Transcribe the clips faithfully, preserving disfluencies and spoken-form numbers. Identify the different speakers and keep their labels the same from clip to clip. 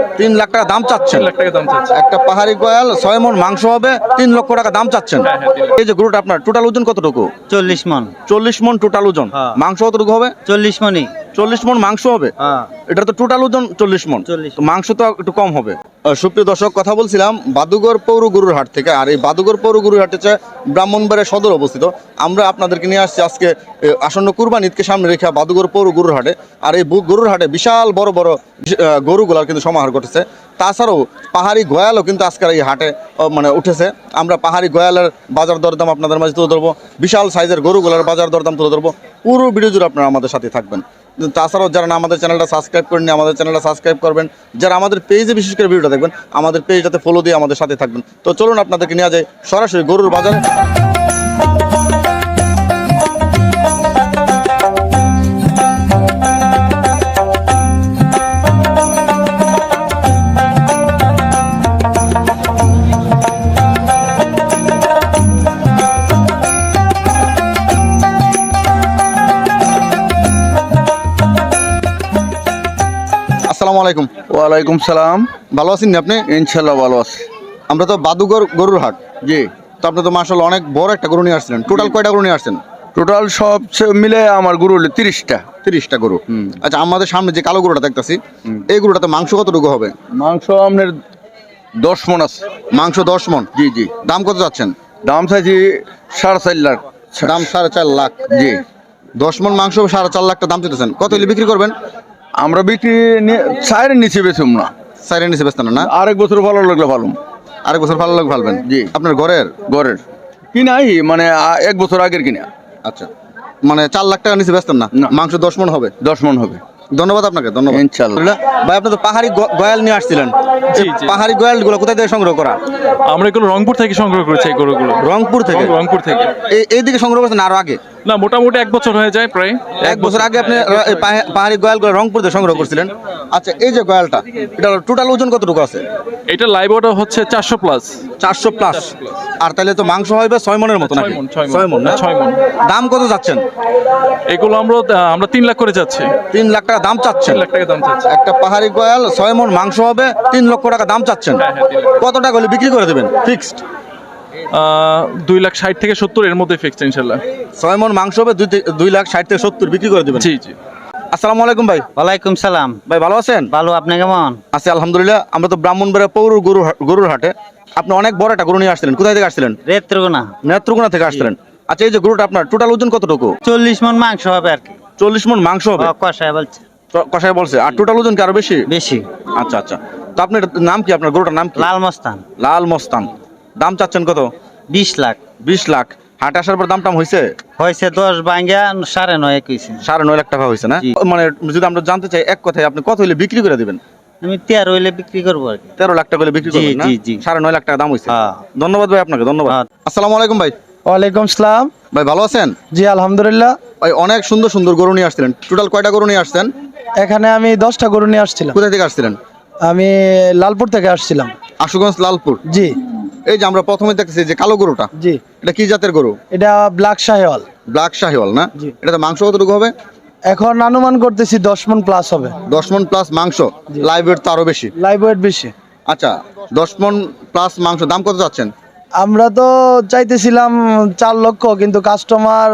Speaker 1: তিন লাখ টাকা দাম চাচ্ছেন।
Speaker 2: তিন লাখ টাকা দাম চাচ্ছি।
Speaker 1: একটা পাহাড়ি গয়াল ছয় মন মাংস হবে, তিন লক্ষ টাকা দাম চাচ্ছেন।
Speaker 2: হ্যাঁ, হ্যাঁ, তিন লাখ।
Speaker 1: এই যে গরুটা আপনার টোটাল ওজন কতটুকু?
Speaker 3: চল্লিশ মন।
Speaker 1: চল্লিশ মন টোটাল ওজন।
Speaker 3: হ্যাঁ।
Speaker 1: মাংস কতটুকু হবে?
Speaker 3: চল্লিশ মনই।
Speaker 1: চল্লিশ মন মাংস হবে।
Speaker 3: হ্যাঁ।
Speaker 1: এটা তো টোটাল ওজন চল্লিশ মন,
Speaker 3: চল্লিশ।
Speaker 1: তো মাংস তো একটু কম হবে। আহ, সুপ্রিয় দর্শক, কথা বলছিলাম বাদুগর পৌর গরুর হাট থেকে। আর এই বাদুগর পৌর গরুর হাট হচ্ছে ব্রাহ্মণবাড়িয়া সদর অবস্থিত। আমরা আপনাদেরকে নিয়ে আসছি আজকে এ, আসন্ন কুরবানি ঈদকে সামনে রেখে বাদুগর পৌর গরুর হাটে। আর এই বু- গরুর হাটে বিশাল বড় বড় বিশ- আহ, গরুগুলার কিন্তু সমাহার ঘটেছে। তাছাড়াও পাহাড়ি গয়ালও কিন্তু আজকের এই হাটে আহ, মানে উঠেছে। আমরা পাহাড়ি গয়ালের বাজার দরদাম আপনাদের মাঝে তুলে ধরবো, বিশাল সাইজের গরুগুলার বাজার দরদাম তুলে ধরবো। পুরো ভিডিও জুড়ে আপনারা আমাদের সাথে থাকবেন। তাছাড়াও যারা না আমাদের চ্যানেলটা সাবস্ক্রাইব করেননি, আমাদের চ্যানেলটা সাবস্ক্রাইব করবেন। যারা আমাদের পেজে বিশেষ করে ভিডিওটা দেখবেন, আমাদের পেজটাতে ফলো দিয়ে আমাদের সাথে থাকবেন। তো চলুন আপনাদেরকে নিয়ে যাই সরাসরি গরুর বাজারে। আসসালামু আলাইকুম।
Speaker 4: ওয়ালাইকুম সালাম।
Speaker 1: ভালো আছেন আপনি?
Speaker 4: ইনশাল্লাহ ভালো আছি।
Speaker 1: আমরা তো বাদুগর গরুর হাট,
Speaker 4: জি।
Speaker 1: তো আপনি তো মাশাআল্লাহ অনেক বড় একটা গরু নিয়ে আসছিলেন। টোটাল কয়টা গরু নিয়ে আসছেন?
Speaker 4: টোটাল সব সে- মিলে আমার গরু হলো তিরিশটা।
Speaker 1: তিরিশটা গরু।
Speaker 4: হুম।
Speaker 1: আচ্ছা, আমাদের সামনে যে কালো গরুটা দেখতাছি,
Speaker 4: হুম।
Speaker 1: এই গরুটাতে মাংস কতটুকু হবে?
Speaker 4: মাংস আপনার দশ মন আছে।
Speaker 1: মাংস দশ মন।
Speaker 4: জি জি।
Speaker 1: দাম কত যাচ্ছেন?
Speaker 4: দাম চাইছি সাড়ে চার লাখ।
Speaker 1: দাম সাড়ে চার লাখ।
Speaker 4: জি।
Speaker 1: দশ মন মাংস সাড়ে চার লাখ টাকা দাম চাইতেছেন। কত হলে বিক্রি করবেন?
Speaker 4: আমরা বিক্রি চায়ের নিচে বেচুম না,
Speaker 1: সাইরের নিচে বেচতেন না?
Speaker 4: আরেক বছর ভালো লাগলে ভালো।
Speaker 1: আরেক বছর ভালো লাগে ভালবেন।
Speaker 4: জি।
Speaker 1: আপনার ঘরের?
Speaker 4: ঘরের কিনাই মানে আ- এক বছর আগের কিনা।
Speaker 1: আচ্ছা, মানে চার লাখ টাকা নিচে বেচতেন না?
Speaker 4: না।
Speaker 1: মাংস দশ মন হবে।
Speaker 4: দশ মন হবে।
Speaker 1: ধন্যবাদ আপনাকে, ধন্যবাদ।
Speaker 4: ইনশাল্লাহ।
Speaker 1: ভাই, আপনি তো পাহাড়ি গ- গয়াল নিয়ে আসছিলেন।
Speaker 2: জি,
Speaker 1: এই
Speaker 2: জি।
Speaker 1: পাহাড়ি গয়াল গুলো কোথায় থেকে সংগ্রহ করা?
Speaker 2: আমরা এগুলো রংপুর থেকে সংগ্রহ করেছি এই গরুগুলো।
Speaker 1: রংপুর থেকে?
Speaker 2: রং- রংপুর থেকে।
Speaker 1: এই এইদিকে সংগ্রহ করছেন আরো আগে?
Speaker 2: না, মোটামুটি এক বছর হয়ে যায় প্রায়।
Speaker 1: এক বছর আগে আপনি র- এই পাহা- পাহাড়ি গয়ালগুলো রংপুর থেকে সংগ্রহ করছিলেন। আচ্ছা, এই যে গয়ালটা, এটা টোটাল ওজন কতটুকু আছে?
Speaker 2: এটা লাইভ ওটা হচ্ছে চারশো প্লাস।
Speaker 1: চারশো প্লাস। আর তাহলে তো মাংস হবে ছয় মনের মতো নাকি?
Speaker 2: ছয় মন, ছয় মন।
Speaker 1: ছয় মন না?
Speaker 2: ছয় মন।
Speaker 1: দাম কত যাচ্ছেন?
Speaker 2: এগুলো আমরা আমরা তিন লাখ করে যাচ্ছি।
Speaker 1: তিন লাখ টাকা দাম চাচ্ছেন।
Speaker 2: তিন লাখ টাকা দাম চাচ্ছি।
Speaker 1: একটা পাহাড়ি গয়াল ছয় মন মাংস হবে, তিন লক্ষ টাকা দাম চাচ্ছেন।
Speaker 2: হ্যাঁ, হ্যাঁ, তিন লাখ।
Speaker 1: কত টাকা হলে বিক্রি করে দেবেন ফিক্সড?
Speaker 2: আহ, দুই লাখ ষাট থেকে সত্তর এর মধ্যে ফিক্সড ইনশাল্লাহ।
Speaker 1: ছয় মন মাংস হবে, দুই থে- দুই লাখ ষাট থেকে সত্তর বিক্রি করে দেবেন।
Speaker 2: জি জি।
Speaker 1: আসসালামু আলাইকুম ভাই।
Speaker 3: ওয়ালাইকুম সালাম।
Speaker 1: ভাই ভালো আছেন?
Speaker 3: ভালো, আপনি কেমন?
Speaker 1: আছি আলহামদুলিল্লাহ। আমরা তো ব্রাহ্মণবাড়িয়া পৌর গরু গরুর হাটে। আপনি অনেক বড় একটা গরু নিয়ে আসছিলেন। কোথায় থেকে আসছিলেন?
Speaker 3: রেত্রগোনা।
Speaker 1: নেত্রকোনা থেকে আসছিলেন। আচ্ছা, এই যে গরুটা আপনার টোটাল ওজন কতটুকু?
Speaker 3: চল্লিশ মন মাংস হবে আর কি।
Speaker 1: চল্লিশ মন মাংস হবে।
Speaker 3: ও, কষায় বলছে
Speaker 1: ক- কষাই বলছে। আর টোটাল ওজন কি আরো বেশি?
Speaker 3: বেশি।
Speaker 1: আচ্ছা আচ্ছা। তো আপনার নাম কি? আপনার গরুটার নাম কি?
Speaker 3: লাল মস্তান।
Speaker 1: লাল মস্তান। দাম চাচ্ছেন কত?
Speaker 3: বিশ লাখ।
Speaker 1: বিশ লাখ। হাটে আসার পর দাম টাম হয়েছে?
Speaker 3: হয়েছে দশ ভাঙ্গা সাড়ে নয় কইছে।
Speaker 1: সাড়ে নয় লাখ টাকা হয়েছে না?
Speaker 3: জি।
Speaker 1: মানে যদি আমরা জানতে চাই এক কথায়, আপনি কত হলে বিক্রি করে দিবেন?
Speaker 3: আমি তেরো হইলে বিক্রি করবো আর কি।
Speaker 1: তেরো লাখ টাকা হলে বিক্রি
Speaker 3: জি,
Speaker 1: করবেন না?
Speaker 3: জি, জি।
Speaker 1: সাড়ে নয় লাখ টাকা দাম হয়েছে।
Speaker 3: হ্যাঁ।
Speaker 1: ধন্যবাদ ভাই আপনাকে, ধন্যবাদ।
Speaker 3: হ্যাঁ।
Speaker 1: আসসালামু আলাইকুম ভাই।
Speaker 5: ওয়ালাইকুম সালাম।
Speaker 1: ভাই ভালো আছেন?
Speaker 5: জি আলহামদুলিল্লাহ।
Speaker 1: ভাই অনেক সুন্দর সুন্দর গরু নিয়ে আসছিলেন। টোটাল কয়টা গরু নিয়ে আসছেন?
Speaker 5: এখানে আমি দশটা গরু নিয়ে আসছিলাম।
Speaker 1: কোথায় থেকে আসছিলেন?
Speaker 5: আমি লালপুর থেকে আসছিলাম।
Speaker 1: আশুগঞ্জ, লালপুর।
Speaker 5: জি
Speaker 1: এই যে আমরা প্রথমে দেখতেছি যে কালো গরুটা,
Speaker 5: জি।
Speaker 1: এটা কি জাতের গরু?
Speaker 5: এটা ব্ল্যাক শাহিওয়াল।
Speaker 1: ব্ল্যাক শাহিওয়াল না?
Speaker 5: জি।
Speaker 1: এটাতে মাংস কতটুকু হবে?
Speaker 5: এখন অনুমান করতেছি দশ মন প্লাস হবে।
Speaker 1: দশ মন প্লাস মাংস। লাইভ ওয়েট তো আরো বেশি।
Speaker 5: লাইভ ওয়েট বেশি।
Speaker 1: আচ্ছা, দশ মন প্লাস মাংস। দাম কত যাচ্ছেন?
Speaker 5: আমরা তো চাইতেছিলাম চার লক্ষ, কিন্তু কাস্টমার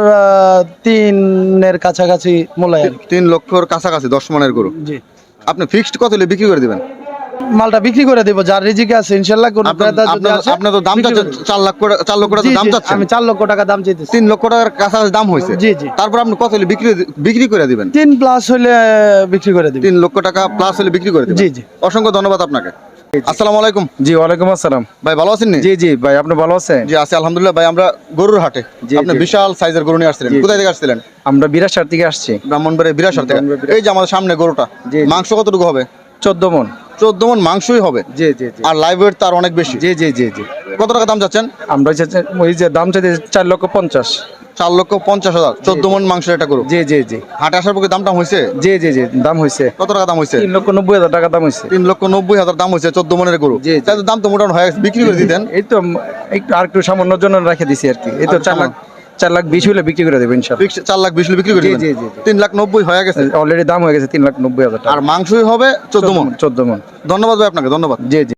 Speaker 5: তিনের কাছাকাছি মূল্যায় আর কি।
Speaker 1: তিন লক্ষর কাছাকাছি দশ মনের গরু।
Speaker 5: জি।
Speaker 1: আপনি ফিক্সড কত হলে বিক্রি করে দিবেন?
Speaker 5: মালটা বিক্রি করে দেবো, যার রিজিকে আছে ইনশাল্লাহ। কোন
Speaker 1: আপনার
Speaker 5: ক্রেতা যদি
Speaker 1: আপনার-
Speaker 5: আসে,
Speaker 1: আপনার তো দাম
Speaker 5: বিক্রি
Speaker 1: চাচ্ছেন
Speaker 5: করে দেব।
Speaker 1: চার লাখ করে, চার লক্ষ টাকা
Speaker 5: জি,
Speaker 1: দাম
Speaker 5: জি,
Speaker 1: চাচ্ছেন।
Speaker 5: আমি চার লক্ষ টাকা দাম চাইতেছি।
Speaker 1: তিন লক্ষ টাকার কাছাকাছি দাম হয়েছে।
Speaker 5: জি, জি।
Speaker 1: তারপর আপনি কত হলে বিক্রি বিক্রি করে দিবেন?
Speaker 5: তিন প্লাস হলে বিক্রি করে দিবি।
Speaker 1: তিন লক্ষ টাকা প্লাস হলে বিক্রি করে দিবেন।
Speaker 5: জি, জি।
Speaker 1: অসংখ্য ধন্যবাদ আপনাকে। আসসালামু আলাইকুম।
Speaker 6: জি ওয়ালাইকুম আসসালাম।
Speaker 1: ভাই ভালো আছেন নি?
Speaker 6: জি জি ভাই, আপনি ভালো আছেন?
Speaker 1: জি আছি আলহামদুলিল্লাহ। ভাই আমরা গরুর হাটে,
Speaker 6: জি,
Speaker 1: আপনি
Speaker 6: জি।
Speaker 1: বিশাল সাইজের গরু নিয়ে আসছিলেন।
Speaker 6: জি, জি।
Speaker 1: কোথায় থেকে আসছিলেন?
Speaker 6: আমরা বিরাশার থেকে আসছি।
Speaker 1: ব্রাহ্মণবাড়িয়া বিরাশার থেকে।
Speaker 6: ব্রাহ্মণবাড়িয়া।
Speaker 1: এই যে আমাদের সামনে গরুটা,
Speaker 6: জি, জি।
Speaker 1: মাংস কতটুকু হবে?
Speaker 6: চোদ্দ মন।
Speaker 1: চোদ্দ মন মাংসই হবে।
Speaker 6: জি জি জি।
Speaker 1: আর লাইভ ওয়েট তার অনেক বেশি।
Speaker 6: জি জি জি জি।
Speaker 1: কত টাকা দাম চাচ্ছেন?
Speaker 6: আমরা চাচ্ছি- ওই যে দাম চাইতে চার লক্ষ পঞ্চাশ।
Speaker 1: চার লক্ষ পঞ্চাশ হাজার। চোদ্দ মন মাংসের এটা গরু।
Speaker 6: জি জি জি।
Speaker 1: হাটে আসার পক্ষে দামটা হয়েছে?
Speaker 6: জি জি জি, দাম হয়েছে
Speaker 1: কত টাকা দাম হয়েছে?
Speaker 6: তিন লক্ষ নব্বই হাজার টাকা দাম হয়েছে।
Speaker 1: তিন লক্ষ নব্বই হাজার দাম হয়েছে চোদ্দ মনের গরু।
Speaker 6: জি, জি।
Speaker 1: তাহলে দাম তো মোটামুটি হয়ে গেছে। বিক্রি করে দিতেন।
Speaker 6: এই তো একটু আর একটু সামান্য জন্য রেখে দিছি আর কি। এই তো
Speaker 1: আর
Speaker 6: চার লাখ
Speaker 1: সামান্য-
Speaker 6: চার লাখ বিশ হলে বিক্রি করে দেবো ইনশাল্লাহ।
Speaker 1: ফিক্স চার লাখ বিশ হলে বিক্রি করে
Speaker 6: জি,
Speaker 1: দিবেন
Speaker 6: জি, জি, জি।
Speaker 1: তিন লাখ নব্বই হয়ে গেছে
Speaker 6: অলরেডি দাম হয়ে গেছে তিন লাখ নব্বই হাজার টাকা।
Speaker 1: আর মাংসই হবে চোদ্দ মন
Speaker 6: চোদ্দ মন।
Speaker 1: ধন্যবাদ ভাই আপনাকে ধন্যবাদ
Speaker 6: জি জি।